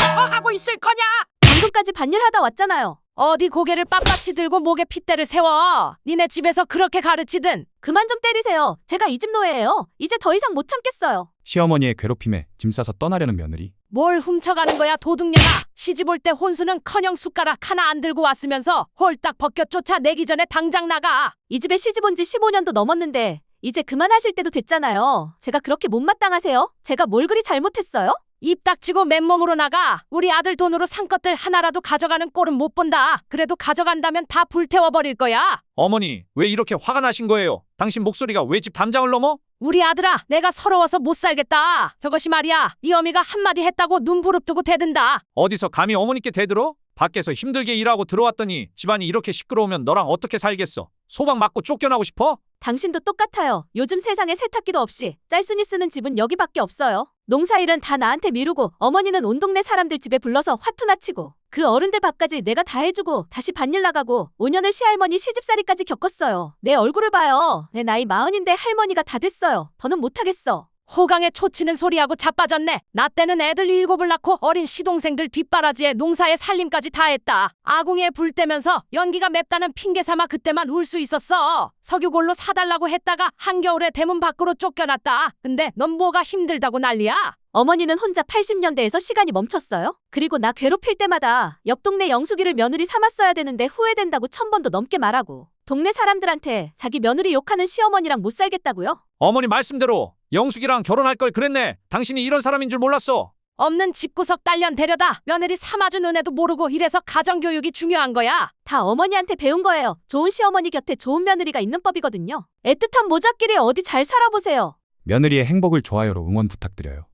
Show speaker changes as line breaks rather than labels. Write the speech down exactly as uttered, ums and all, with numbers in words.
어디서 하고 있을 거냐?
방금까지 반일하다 왔잖아요.
어디 고개를 빳빳이 들고 목에 핏대를 세워. 니네 집에서 그렇게 가르치든.
그만 좀 때리세요. 제가 이 집 노예예요. 이제 더 이상 못 참겠어요.
시어머니의 괴롭힘에 짐 싸서 떠나려는 며느리.
뭘 훔쳐가는 거야 도둑년아. 시집 올 때 혼수는커녕 숟가락 하나 안 들고 왔으면서 홀딱 벗겨 쫓아내기 전에 당장 나가.
이 집에 시집 온 지 십오 년도 넘었는데 이제 그만하실 때도 됐잖아요. 제가 그렇게 못마땅하세요? 제가 뭘 그리 잘못했어요?
입 닥치고 맨몸으로 나가. 우리 아들 돈으로 산 것들 하나라도 가져가는 꼴은 못 본다. 그래도 가져간다면 다 불태워버릴 거야.
어머니, 왜 이렇게 화가 나신 거예요? 당신 목소리가 왜 집 담장을 넘어?
우리 아들아, 내가 서러워서 못 살겠다. 저것이 말이야, 이 어미가 한마디 했다고 눈 부릅뜨고 대든다.
어디서 감히 어머니께 대들어? 밖에서 힘들게 일하고 들어왔더니 집안이 이렇게 시끄러우면 너랑 어떻게 살겠어? 소방 맞고 쫓겨나고 싶어?
당신도 똑같아요. 요즘 세상에 세탁기도 없이 짤순이 쓰는 집은 여기밖에 없어요. 농사일은 다 나한테 미루고 어머니는 온 동네 사람들 집에 불러서 화투나 치고 그 어른들 밥까지 내가 다 해주고 다시 밭일 나가고 오 년을 시할머니 시집살이까지 겪었어요. 내 얼굴을 봐요. 내 나이 마흔인데 할머니가 다 됐어요. 더는 못하겠어.
호강에 초치는 소리하고 자빠졌네. 나 때는 애들 일곱을 낳고 어린 시동생들 뒷바라지에 농사에 살림까지 다 했다. 아궁이에 불 떼면서 연기가 맵다는 핑계 삼아 그때만 울 수 있었어. 석유골로 사달라고 했다가 한겨울에 대문 밖으로 쫓겨났다. 근데 넌 뭐가 힘들다고 난리야?
어머니는 혼자 팔십 년대에서 시간이 멈췄어요. 그리고 나 괴롭힐 때마다 옆 동네 영숙이를 며느리 삼았어야 되는데 후회된다고 천 번도 넘게 말하고 동네 사람들한테 자기 며느리 욕하는 시어머니랑 못 살겠다고요?
어머니 말씀대로 영숙이랑 결혼할 걸 그랬네. 당신이 이런 사람인 줄 몰랐어.
없는 집구석 딸년 데려다 며느리 삼아준 은혜도 모르고 이래서 가정교육이 중요한 거야.
다 어머니한테 배운 거예요. 좋은 시어머니 곁에 좋은 며느리가 있는 법이거든요. 애틋한 모자끼리 어디 잘 살아보세요.
며느리의 행복을 좋아요로 응원 부탁드려요.